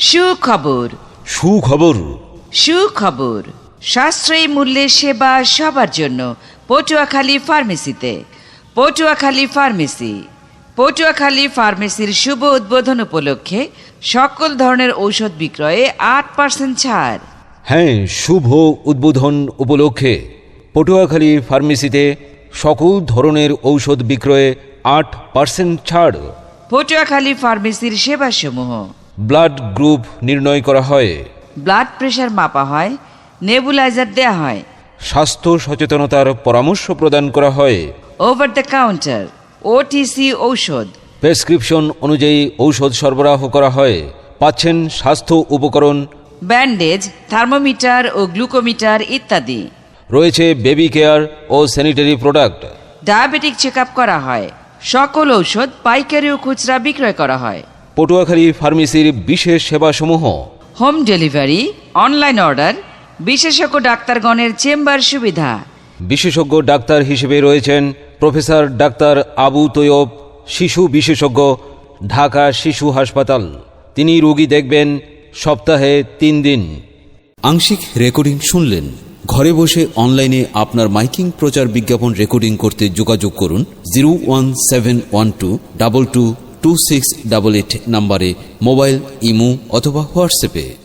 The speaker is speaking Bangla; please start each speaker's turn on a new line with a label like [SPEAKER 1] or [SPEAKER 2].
[SPEAKER 1] সুখবর
[SPEAKER 2] সুখবর
[SPEAKER 1] সুখবর সাশ্রয়ী মূল্যে সেবা সবার জন্য পটুয়াখালী ফার্মেসিতে। পটুয়াখালী ফার্মেসি। পটুয়াখালী ফার্মেসির শুভ উদ্বোধন উপলক্ষে সকল ধরনের ঔষধ বিক্রয়ে 8% ছাড়।
[SPEAKER 2] হ্যাঁ, শুভ উদ্বোধন উপলক্ষে পটুয়াখালী ফার্মেসিতে সকল ধরনের ঔষধ বিক্রয়ে 8% ছাড়।
[SPEAKER 1] পটুয়াখালী ফার্মেসির সেবাসমূহ:
[SPEAKER 2] ব্লাড গ্রুপ নির্ণয় করা হয়,
[SPEAKER 1] ব্লাড প্রেশার মাপা হয়, নেবুলাইজার দেয়া হয়,
[SPEAKER 2] স্বাস্থ্য সচেতনতার পরামর্শ প্রদান করা হয়,
[SPEAKER 1] ওভার দ্য কাউন্টার ওটিসি ঔষধ,
[SPEAKER 2] প্রেসক্রিপশন অনুযায়ী ঔষধ সরবরাহ করা হয়। পাচ্ছেন স্বাস্থ্য উপকরণ,
[SPEAKER 1] ব্যান্ডেজ, থার্মোমিটার ও গ্লুকোমিটার ইত্যাদি।
[SPEAKER 2] রয়েছে বেবি কেয়ার ও sanitary product.
[SPEAKER 1] Diabetic check up করা হয়। সকল ঔষধ পাইকারি ও খুচরা বিক্রয় করা হয়।
[SPEAKER 2] পটুয়াখালী ফার্মেসির বিশেষ সেবাসমূহ:
[SPEAKER 1] হোম ডেলিভারি, অনলাইন অর্ডার, বিশেষজ্ঞ ডাক্তারগণের চেম্বার সুবিধা।
[SPEAKER 2] বিশেষজ্ঞ ডাক্তার হিসেবে রয়েছেন প্রফেসর ডাক্তার আবু তৈয়ব, শিশু বিশেষজ্ঞ, ঢাকা শিশু হাসপাতাল। তিনি রোগী দেখবেন সপ্তাহে 3 দিন।
[SPEAKER 3] আংশিক রেকর্ডিং শুনলেন। ঘরে বসে অনলাইনে আপনার মাইকিং প্রচার বিজ্ঞাপন রেকর্ডিং করতে যোগাযোগ করুন 01712222688 নম্বরে মোবাইল, ইমো অথবা হোয়াটসঅ্যাপে।